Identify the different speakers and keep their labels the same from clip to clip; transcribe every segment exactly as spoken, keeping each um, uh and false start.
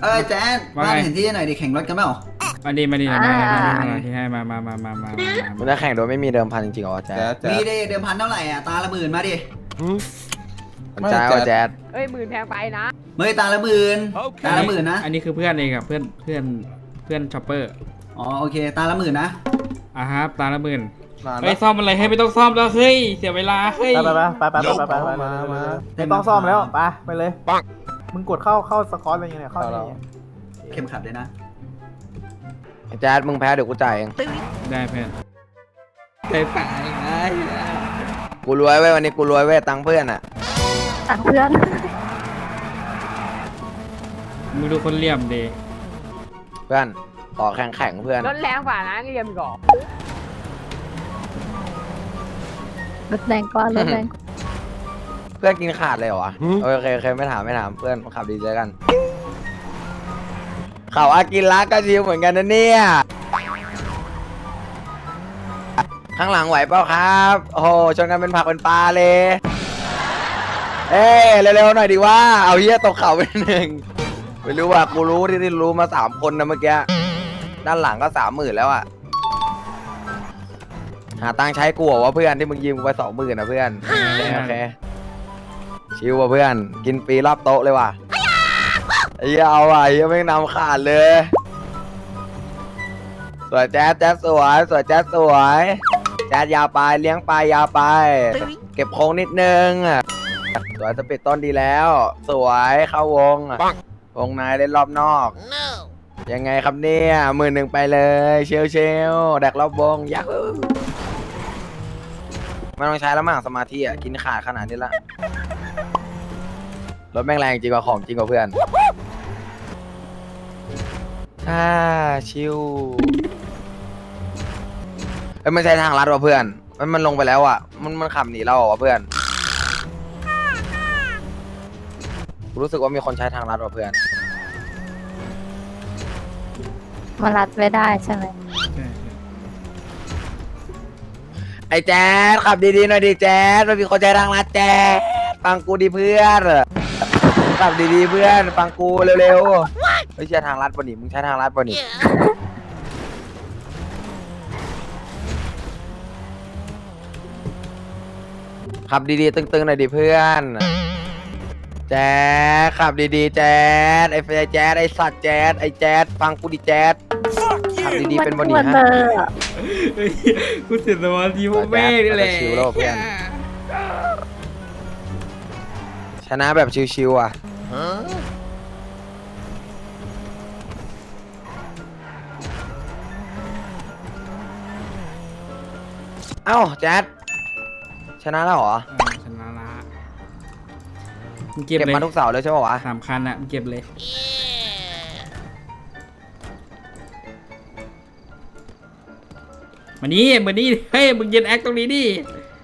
Speaker 1: เอ้ยแจ๊ดบ้านเห็นที่หน่อยดิแข่งรถกันเปล่า
Speaker 2: มาดีมาดีนะมามาที่ให้มามามามามา
Speaker 3: มันจะแข่งโดยไม่มีเดิมพันจริงๆเหรอแจ๊ด
Speaker 1: มีดิเดิมพันเท่าไหร่อ่ะตาละหมื่นมาดิ
Speaker 3: แจ๊ดแจ๊ด
Speaker 4: เอ้ยหมื่นแพงไปนะ
Speaker 1: เมื่อตาละหมื่นตาละหมื่นนะ
Speaker 2: อันนี้คือเพื่อนเองกับเพื่อนเพื่อนเพื่อนช็อปเปอร์
Speaker 1: อ๋อโอเคตาละหมื่นนะ
Speaker 2: อ่ะครับตาละหมื่นเฮ้ยซ่อมอะไรให้ไม่ต้องซ่อมแล้วเฮ้ยเสียเวลาเฮ้ย
Speaker 5: ไปไปไปไปไปไปไปมามาไม่ต้องซ่อมแล้วไปไปเลยปังมึงกดเข้าเข้าสกอตอะไรเงี้ยเข้าอะไร
Speaker 1: เข็มขัดเลยนะ
Speaker 3: แจ๊ดมึงแพ้เดี๋ยวกูจ่ายเอง
Speaker 2: ได้เพื่อนไปไปได้
Speaker 3: กูรวยเว้ยวันนี้กูรวยเว้ยตังเพื่อนอ่ะ
Speaker 4: ตังเพื่อน
Speaker 2: มึงดูคนเหลี่ยมดี
Speaker 3: เพื่อนขอแข่งแข่งเพื่อน
Speaker 4: รถแรงกว่านะก็ยังมีก่อ
Speaker 6: รถแรงกว่ารถแรง
Speaker 3: เพื่อนกินขาดเลยเหรอวะโอเคโอเคไม่ถามไม่ถามเพื่อนขับดีเจอกันเขาอากินรักก็ชิวเหมือนกันนะเนี่ยข้างหลังไหวเปล่าครับโอ้โหชนกันเป็นผักเป็นปลาเลยเอ้เร็วๆหน่อยดีว่าเอาเฮียตกเข่าไปหนึ่งไม่รู้ว่ากูรู้ที่ที่รู้มาสามคนนะเมื่อกี้ด้านหลังก็สามหมื่นแล้วอ่ะหาตังใช้กูเหรอวะเพื่อนที่มึงยืมกูไปสองหมื่นนะเพื่อนโอเคชิวว่ะเพื่อนกินฟรีรอบโต๊ะเลยว่ะไอ้เหี้ยเอาว่ะไอ้เหี้ยไม่นำขาดเลยสวยแจ๊ดแจ๊ดสวยสวยแจ๊ดสวยแจ๊ดยาวไปเลี้ยงไปยาวไปเก็บโค้งนิดนึงสวยสปีดต้นดีแล้วสวยเข้าวงวงในเล่นรอบนอกยังไงครับเนี่ยมือหนึ่งไปเลยเชลเชลแดกรอบวงยักษ์ไม่ต้องใช้แล้วมั้งสมาธิอ่ะกินขาดขนาดนี้ละรถแม่งแรงจริงกว่าของจริงกว่าเพื่อนอ่าชิวเอ้ยมันใช้ทางลัดว่ะเพื่อนมันมันลงไปแล้วอ่ะมันมันขับหนีเราอ่ะเพื่อนรู้สึกว่ามีคนใช้ทางลัดว่ะเพื่อน
Speaker 6: มารัดไม่ได้ใช่ไหม
Speaker 3: ไอ้แจ๊ดขับดีๆหน่อยดิแจ๊ดมันมีคนใช้ทางลัดแจ๊ดฟังกูดิเพื่อนขับดีๆเพื่อนฟังกูเร็วๆไม่ใช่ทางลัดป่ะนี่มึงใช้ทางลัดป่ะนี่ขับดีๆตึงๆหน่อยดิเพื่อนแจ๊ดขับดีๆแจ๊ดไอ้แจ๊ดไอ้สัตว์แจ๊ดไอ้แจ๊ดฟังกูดิแจ๊ดขับดีๆเป็นบอดี้ฮะ
Speaker 2: กูเสียสมาธิพวกแม่นี่แหละ
Speaker 3: ชิวแล้วเพื่อนชนะแบบชิวๆอ่ะเอ้าแจ๊ดชนะแล้วเหรอ
Speaker 2: ชนะละ
Speaker 3: เก็บมาทุกเสาเลยใช่ป่าววะ
Speaker 2: สามคันอะเก็บเลยมานี่มานี่เฮ้ยมึงยืนแอคตรงนี้ดิ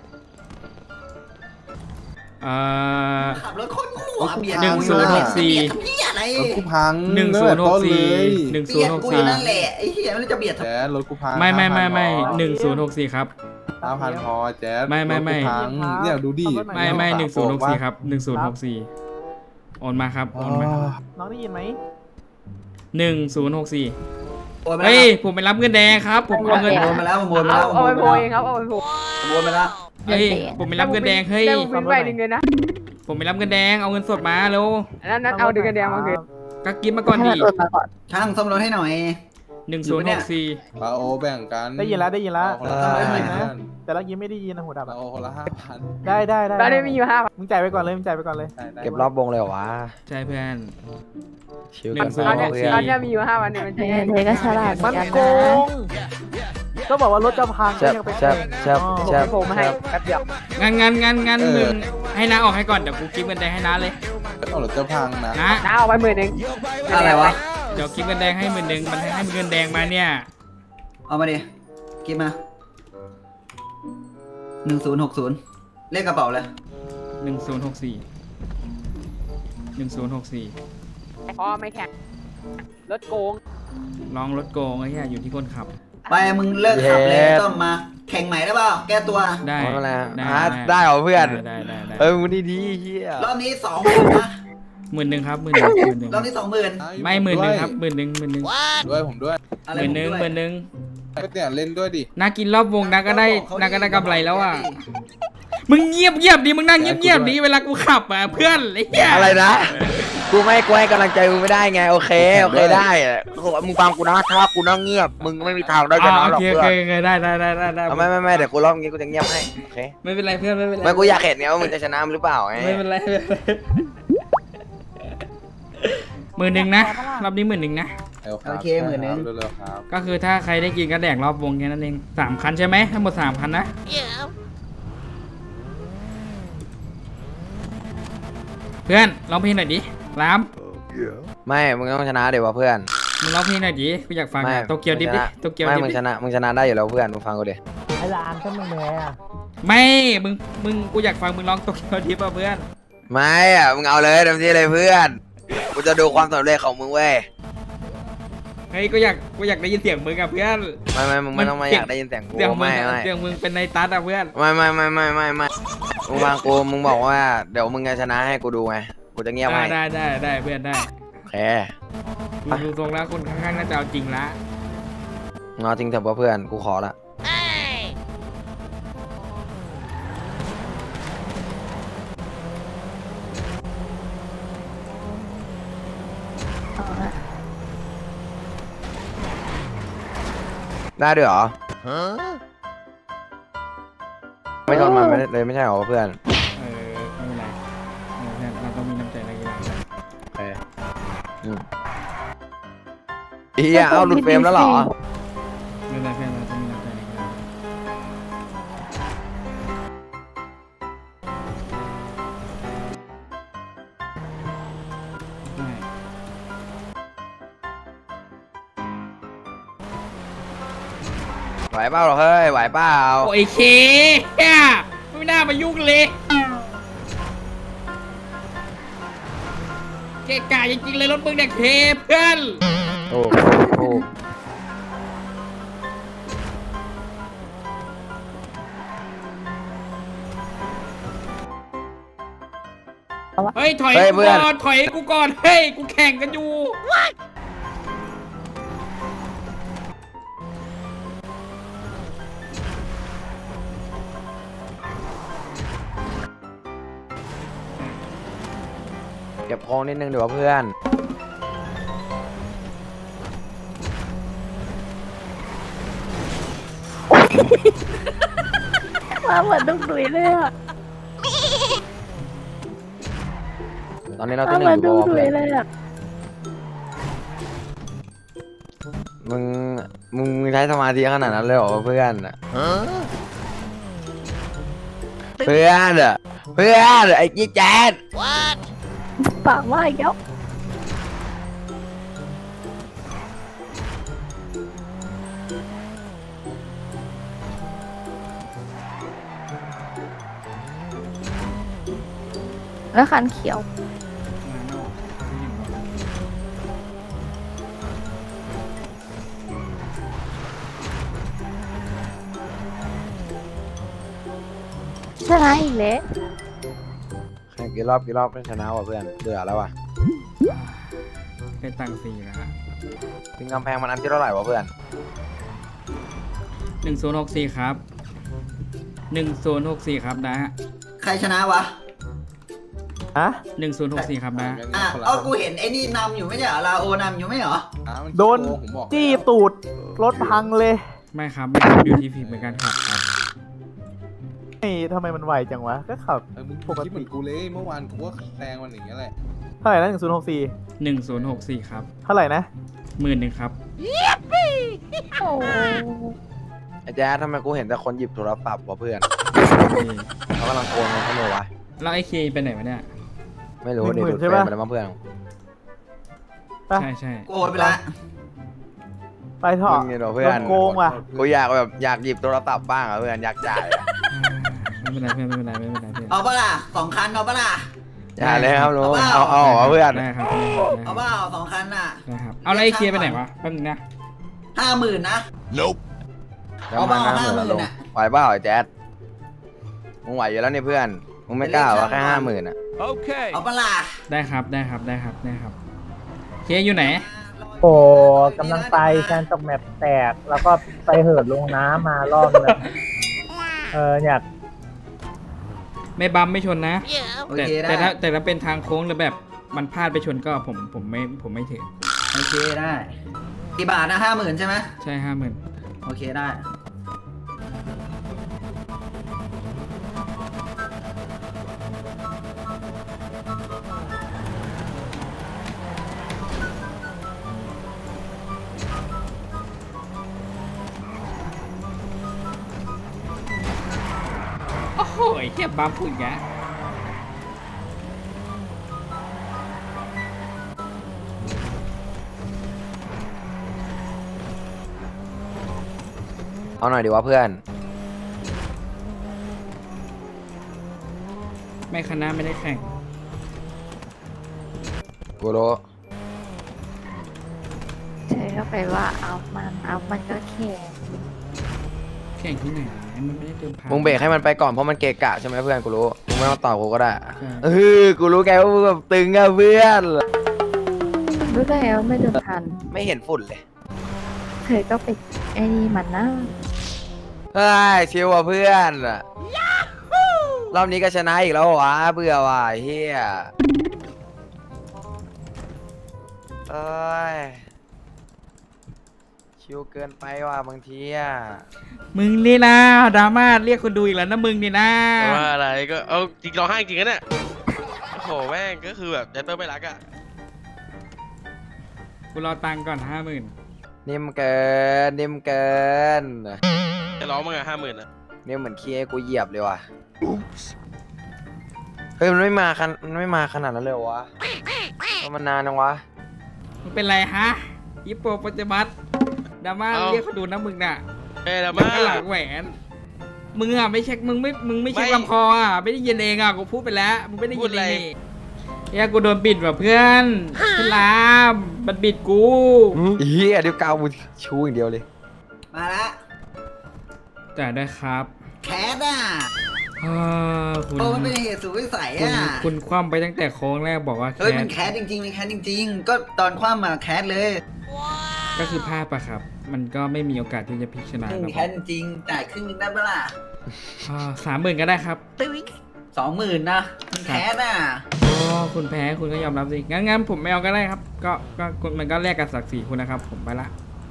Speaker 1: ขับรถคนหัวเบียด
Speaker 2: หนึ่งศูนย์หกสี่
Speaker 5: รถกูพัง
Speaker 2: หนึ่งศูนย์หกสี่หนึ่งศูนย์หกสี่
Speaker 1: นั่นแหละไอ้เหี้ยมันจะเบียด
Speaker 5: แจ๊ดรถกูพัง
Speaker 2: ไม่ไม่ไม่ไม่หนึ่งศูนย์หกสี่ครับ
Speaker 5: ห้าพันพอแจ๊ด
Speaker 2: ไม่ไม่ไม่
Speaker 5: เนี่ยดูดิ
Speaker 2: ไม่ไม่หนึ่งศูนย์หกสี่ครับหนึ่งศูนย์หกสี่โอนมาครับโอนมา
Speaker 5: น้องได้ยินไหม
Speaker 2: หนึ่งศูนย์หกสี่เฮ้ยผมไปรับเงินแดงครับผมเอาเงิน
Speaker 1: โอนมาแล้วโอนมาแล้ว
Speaker 4: เอาไปโพยครับเอาไปโพย
Speaker 1: โอนมาแล้ว
Speaker 2: เฮ้ยผมไปรับเงินแดงเฮ้ย
Speaker 4: ผมไปดึงเงินนะ
Speaker 2: ผมไปรับเงินแดงเอาเงินสดมาเร็ว
Speaker 4: นั้นนั้นเอาดึงเงินแดงมาคืน
Speaker 2: ก็กินมาก่อนดิ
Speaker 1: ช่างซ่อมรถให้หน่อย
Speaker 2: หนึ่งศูนย์หกสี่
Speaker 5: ปาโอแบ่งกันได้ยินแล้วได้ยินแล้วแต่ละยิ้มไม่ได้ยินนะหัวดับ
Speaker 7: ปาโอคนละห้าพัน
Speaker 5: ได้ได้ได้
Speaker 4: ได้มีอยู่ห้า
Speaker 5: มึงจ่ายไปก่อนเลยมึงจ่ายไปก่อนเลย
Speaker 3: เก็บรอบวงเลยเหรอวะ
Speaker 2: ใช่เพื่อน
Speaker 3: ชิวกันไปเพื่อน
Speaker 4: ตอนนี้มีอยู่ห้าวันเนี่ยมันเ
Speaker 6: จ๊ก็ฉลาด
Speaker 5: มันโกงก็บอกว่ารถจะพัง
Speaker 3: ก็ยังไปแช่แช่แช่
Speaker 4: ผมให้แป๊บเดียว
Speaker 2: งั้นงั้นงั้นงั้นมึงให้น้าออกให้ก่อนเดี๋ยวกูกิฟต์เงินแดงให้น้าเลย
Speaker 5: เอารถจะพังนะ
Speaker 2: นะ
Speaker 4: น้าเอาไปหมื่นหนึ่ง
Speaker 1: อะไรวะ
Speaker 2: เดี๋ยวกิฟต์เงินแดงให้หมื่นหนึ่งมันให้เงินแดงมาเนี่ย
Speaker 1: เอามาดิกิฟต์มาหนึ่งศูนย์หกศูนย์เลขกระเป๋าเลย
Speaker 2: หนึ่งศูนย์หกสี่หนึ่งศูนย์หกสี่
Speaker 4: พอไม่แข่งรถโกง
Speaker 2: ลองรถโกงไอ้เหี้ยอยู่ที่คนขับ
Speaker 1: ไปมึงเลิกขับเลยต้องมาแข่งใหม่ได้เปล่าแก้ตัว
Speaker 2: ได้
Speaker 3: ได้ได้เหรอเพื่อน
Speaker 2: ได้ได้ได้
Speaker 3: เออมึงดีดีเฮีย
Speaker 1: รอบนี้สองคนนะ
Speaker 2: หมื่นหนึ่งครับหมื่นหนึ่งหมื่นหนึ่ง
Speaker 1: รอบนี้สองหมื่น
Speaker 2: ไม่หมื่นหนึ่งครับหมื่นหนึ่งหมื่นหนึ่ง
Speaker 7: ด้วยผมด้วย
Speaker 1: อะ
Speaker 2: ห
Speaker 1: ไร
Speaker 2: มื่นหนึ่ง
Speaker 1: ผม
Speaker 2: ห
Speaker 1: ด้วย
Speaker 2: มื่นหนึ่ง
Speaker 7: ก็เนี่ยเล่นด้วยดิ
Speaker 2: นากินรอบวงนาก็ได้
Speaker 1: บอกเขา
Speaker 2: นาก็ได้กำไรแล้วอ่ะ
Speaker 1: ดิ
Speaker 2: มึงเงียบเงียบดิมึงนั่งเงียบเงียบดิเวลากูขับอ่ะเพื่อนไอ้เหี้ย
Speaker 3: อะไรนะ กูไม่กูให้กำลังใจมึงไม่ได้ไงโอเคโอเคได้มึงฟังกูนะถ้ากูนั่งเงียบมึงไม่มีทางได้ช
Speaker 2: อ่า
Speaker 3: นะ
Speaker 2: โอ
Speaker 3: หรอก
Speaker 2: เค
Speaker 3: เพื่
Speaker 2: โอ
Speaker 3: อ
Speaker 2: เคน โอเคได้ได้ได้ได้ได้
Speaker 3: เอาไม่ไม่ไม่เดี๋ยวกูรอบนี้กูจะเงียบให้โอเค
Speaker 2: ไม่เป็นไรเพื่อนไม่เป็นไร
Speaker 3: ไม่กูอยากเห็นไงว่ามึงจะชนะหรือเปล่าไง
Speaker 2: ไม่เป็นไรไม่เป็นไรหมื่นหนึ่งนะรอบนี้หมื่นหนึ่งนะ
Speaker 7: ร็วรับ
Speaker 1: โอเคหมื่นหนึ่ง
Speaker 7: เร็วๆครับ
Speaker 2: ก็คือถ้าใครได้กินก็แดกรอบวงแค่นั้นเองสามคันใช่ไหมทั้งหมดสามคันนะเพื่อนร้องเพลงหน่อยดิราม
Speaker 3: ไม่มึงต้องชนะเดี๋ยววะเพื่อน
Speaker 2: มึงร้องเพลงหน่อยดิกูอยากฟัง
Speaker 3: ไม่
Speaker 2: อะโตเกียวดิบดิโตเกียว
Speaker 3: ไม่
Speaker 2: ดิบ
Speaker 3: มึง
Speaker 2: ดิ
Speaker 3: ชนะมึงชนะได้อยู่แล้วเพื่อนมึงฟังกูดิ
Speaker 5: ไอ้ลานก็มึงแพ้อะ
Speaker 2: ไม่มึงมึงกูอยากฟังมึงร้องโตเกียวดิบอ่ะเพื่อน
Speaker 3: ไม่อะมึงเอาเลยเต็มที่เลยเพื่อนกูจะดูความสำเร็จของมึงเว้ย
Speaker 2: เฮ้ยกูอยากกูอยากได้ยินเสียงมึงอะเพื่อน
Speaker 3: ไม่ไม่มึงไม่ต้องมาอยากได้ยินเสียงกู
Speaker 2: เสียงมึง
Speaker 3: ไม่
Speaker 2: อะ
Speaker 3: ไม่
Speaker 2: เสียงมึงเป็นในตัดอะเพื่อน
Speaker 3: ไม่ไม่ไม่ไม่ไม่ไม่มึงฟังกูมึงบอกว่าเดี๋ยวมึงจะชนะให้กูดูไงกูจะเงียบ
Speaker 2: ได้
Speaker 3: ให้
Speaker 2: ได้ได้ได้เพื่อนได้
Speaker 3: โอเค
Speaker 2: ดูดูตรงแล้วคนข้างๆน่าจะเอาจริงละ
Speaker 3: งอจริงเถอะวะเพื่อนกูขอละ
Speaker 6: เอาละ
Speaker 3: ได้ด้วยเหรอไม่ชนมันไม่ได้เลยไม่ใช่เหรอเพื่อน
Speaker 2: เออไม่เป็นไรเออเพื่อนเราต้องมีน้ำใจนักกีฬาด้วย
Speaker 3: โอเคอืมเฮียเอาหลุดเฟรมแล้วเหรอ
Speaker 2: ไม่เป็นไรเพื่อนเราต้องมีน้ำใจนักกีฬาใช่
Speaker 3: ไหวเปล่าเหรอเฮ้ยไหวเปล่า
Speaker 2: โอ้ยเคเฮียไม่น่ามายุ่งเลยเกะกะจริงๆเลยรถมึงเนี่ยเคเพื่อน
Speaker 3: โอ้โอ้
Speaker 2: เฮ้ยถอยกูก่อนถอยกูก่อนเฮ้ยกูแข่งกันอยู่
Speaker 3: เก็บโค้งนิดนึงเดี๋ยวเพื่อน
Speaker 6: มาเหมือนดุกดุยเลยอะ
Speaker 3: ตอนนี้เรา
Speaker 6: มา
Speaker 3: ที่ห
Speaker 6: เหมื
Speaker 3: นึ่
Speaker 6: อง น
Speaker 3: อยู่
Speaker 6: ดุก
Speaker 3: บอ
Speaker 6: ดุย
Speaker 3: เพื่อน
Speaker 6: เลยอะ
Speaker 3: มึงมึงใช้สมาธิขนาดนั้นเลยเหรอเพื่อนเพื่อนอะเพื่อนไอ้กี้แจ๊ด
Speaker 6: ปากว่าอีกแล้วแล้วคันเขียว ชนะอีกแล้ว
Speaker 3: แข่งกี่รอบกี่รอบก็ชนะว่ะเพื่อนเบื่อแล้วว่ะ
Speaker 2: เป็นตังค์สี่นะฮะ
Speaker 3: พิงกำแพงมันอันที่เท่าไหร่วะเพื่อน
Speaker 2: หนึ่งศูนย์หกสี่ครับหนึ่งศูนย์หกสี่ครับนะฮะ
Speaker 1: ใครชนะวะ
Speaker 5: ฮะ
Speaker 2: หนึ่งศูนย์หกสี่ครับนะ
Speaker 1: อ่ะเอากูเห็นไอ้นี่นำอยู่ไม่ใช่เหรอลาโอนำอยู่ไม่เหรอ
Speaker 7: อ่ะมั
Speaker 5: โดน
Speaker 7: โกงผมบอก
Speaker 5: จี้
Speaker 7: แล้ว
Speaker 5: ตูดรถพังเลย
Speaker 2: ไม่ครับไม่ครับอยู่ที่ผิดเหมือนกันครับครับ
Speaker 5: ไอ้ทำไมมันไวจังวะ ก็ขับ
Speaker 7: เออมึง
Speaker 5: ปกติ
Speaker 7: คิดเหมือนกูเลยเมื่อวานกูก็แซงมันอย่างเงี้ยแหละ
Speaker 5: เท่าไหร่นะหนึ่งศูนย์หกสี่
Speaker 2: หนึ่งศูนย์หกสี่ครับ
Speaker 5: เท่าไหร่นะ
Speaker 2: หมื่นหนึ่งครับ
Speaker 6: โอ้
Speaker 3: ไอ้แจ๊ดทำไมกูเห็นแต่คนหยิบโทรศัพท์วะเพื่อนเขากำลังโกงกันเขาเลยวะ
Speaker 2: แล้วไอ้เคไปไหนวะเนี่ย
Speaker 3: ไม่รู้ดิดูดเฟรมไปแล้วมั้งเพื่อน
Speaker 5: ไป
Speaker 2: ใช่ใช่
Speaker 1: กูโอนไปละ
Speaker 5: ไปเถอะ
Speaker 3: มึงเนี่ยเหรอเพื่
Speaker 5: โด
Speaker 3: อน
Speaker 5: นโกงว่ะ
Speaker 3: กูอยากแบบอยากหยิบโทรศัพท์บ้างอะเพื่อนอยากจ่ายอะ
Speaker 2: ไม่เป็นไรเพื่อนไม่เป็นไรไม่เป็นไรเพื่อน
Speaker 1: เอาปะล่ะสองคันเอาปะล่ะ
Speaker 3: อย่าเลยครับลุง
Speaker 1: เอา
Speaker 3: เอา
Speaker 1: เปล่า
Speaker 3: เอาเหรอเพื่อน
Speaker 2: ได้ครับ
Speaker 1: เอาเปล่าสองคันน่ะ
Speaker 2: ได้ครับเอาแล้วไอ้เคไปไหนวะแป๊บนึงนะ
Speaker 1: ห้าหมื่นนะ
Speaker 3: แล้ว
Speaker 1: เอาเป
Speaker 3: มา
Speaker 1: ล่า
Speaker 3: หน้าเหมือน
Speaker 1: ห้าหมื่
Speaker 3: ลุ
Speaker 1: น
Speaker 3: ง
Speaker 1: น่ะ
Speaker 3: ไหวเปล่าไอ้แจ๊ดมึงไหวอยู่แล้วนี่เพื่อนมึงไม่กล้าว่าแค่ห้าหมื่นอ่ะ
Speaker 1: เอาปะล่ะ
Speaker 2: ได้ครับได้ครับได้ครับได้ครับเคอยู่ไหน
Speaker 5: โอ้กำลังไปแคนตกแมปแตก แล้วก็ไปเหินลงน้ำมารอบนึงเอออยาก
Speaker 2: ไม่บัมไม่ชนนะ
Speaker 1: โอ
Speaker 2: แต่
Speaker 1: เคได้
Speaker 2: แต่ถ้าแต่ถ้าเป็นทางโค้งหรือแบบมันพลาดไปชนก็ผมผมไม่ผมไม่ถือ
Speaker 1: โอเคได้กี่บาทนะห้าหมื่นใช่ไหม
Speaker 2: ใช่ห้าหมื่น
Speaker 1: โอเคได้
Speaker 2: โอ้โหแค่บัมพูดแก
Speaker 3: เอาหน่อยดีวะเพื่อน
Speaker 2: ไม่คณะไม่ได้แข่ง
Speaker 3: กูรู้
Speaker 6: เธอก็ไปว่าเอามันเอามันก็แข่ง
Speaker 2: แข่งที่ไหนมันไม่ได้เติมพัน
Speaker 3: มึงเบรกให้มันไปก่อนเพราะมันเกะกะใช่ไหมเพื่อนกูรู้มึงไม่ต้องตอบกูก็ได้
Speaker 2: ใช่
Speaker 3: เออกูรู้แกว่ามึงแบบตึงอะเพื่อน
Speaker 6: รู้ได้แล้วไม่เดินทัน
Speaker 3: ไม่เห็นฝุ่นเลย
Speaker 6: เธอก็ไปไอ้นี่มันนะ
Speaker 3: เฮ้ยชิวอ่ะเพื่อนรอบนี้ก็ชนะอีกแล้วเหรอวะเบื่อว่ะเฮียเอ้ยชิวเกินไปว่ะบางทีอ่ะ
Speaker 2: มึงนี่นะดราม่าเรียกคนดูอีกแล้วนะมึงนี่นะ
Speaker 8: แต่ว่าอะไรก็เอาจริงร้องไห้จริงนะเนี่ยโอ้โหแม่งก็คือแบบยันเตอร์ไม่รักอ่ะ
Speaker 2: กูรอตังค์ก่อนห้าหมื่น
Speaker 3: นิ่มเกินนิ่มเกิน
Speaker 8: จะร้องมั้งอะห้าหมื่นอะ
Speaker 3: นิ่มเหมือนขี้ให้กูเหยียบเลยว่ะเฮ้ยมันไม่มาขนาดมันไม่มาขนาดนั้นเลยเหรอวะมันนานจังวะ
Speaker 2: มึงเป็นไรฮะยิปโปปัจจุบันดราม่าเรียกคนดูนะมึงน่ะ
Speaker 8: เอ้ยแล้ว
Speaker 2: มึ
Speaker 8: มาง
Speaker 2: ก็หลังแหวนมึงอ่ะไม่เช็คมึงไม่มึงไม่เช็คลำคออ่ะไม่ได้ยินเองอ่ะกูพูดไปแล้วมึงไม่ได้ยินเองนี่เฮียกูโดนบิดว่ะเพื่อนเพื่อนลามมันบิดกู
Speaker 3: เฮียเดี๋ยวกาวมึงชูอย่างเดียวเลย
Speaker 1: มาละ
Speaker 2: แต่ได้ครับ
Speaker 1: แคสอ่ะ
Speaker 2: อ่าคุณ
Speaker 1: โอ้มันเป็นเหตุสุดวิสัย
Speaker 2: คุณ
Speaker 1: อ่ะ
Speaker 2: คุณคว่ำไปตั้งแต่โค้งแรกบอกว่าแค
Speaker 1: เฮ้ยมัน
Speaker 2: ส
Speaker 1: แคสจริงๆมันแคสจริง ๆ ก็ตอนคว่ำมาแคสเลย
Speaker 2: ก็คือพลาดปะครับ มันก็ไม่มีโอกาสที่จะพลิกชนะ
Speaker 1: อืม
Speaker 2: ครับ
Speaker 1: แคสจริงๆจ่ายครึ่งนึงได้ปะล่ะ
Speaker 2: สามหมื่นก็ได้ครับ
Speaker 1: สองหมื่นนะมันแคสอ่ะ
Speaker 2: อ๋อคุณแพ้คุณก็ยอมรับสิงั้นงั้นผมไม่เอาก็ได้ครับ ก็ก็คุณมันก็แลกกับศักดิ์ศรีคุณนะครับ ผมไปละ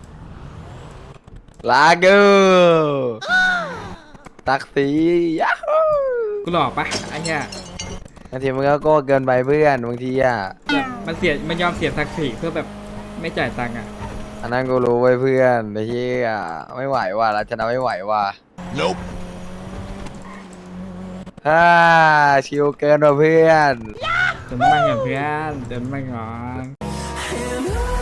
Speaker 3: ลาเกอร์ตักสียาฮู
Speaker 2: กูหลอกปะไอ้เหี้ย
Speaker 3: บางทีมันก็โก้เกินไปเพื่อนบางทีอ่ะ
Speaker 2: แบบมันเสียมันยอมเสียศักดิ์ศรีเพื่อแบบไม่จ่ายตังค์อ่ะ
Speaker 3: อันนั้นกูรู้ไว้เพื่อนไอ้เหี้ยไม่ไหวว่ะเราชนะไม่ไหวว่ะ
Speaker 8: Nope
Speaker 3: ฮ่าชิวเกินว่ะเพื่อน
Speaker 2: เดินมาก่อนเพื่อนเดินมาก่อน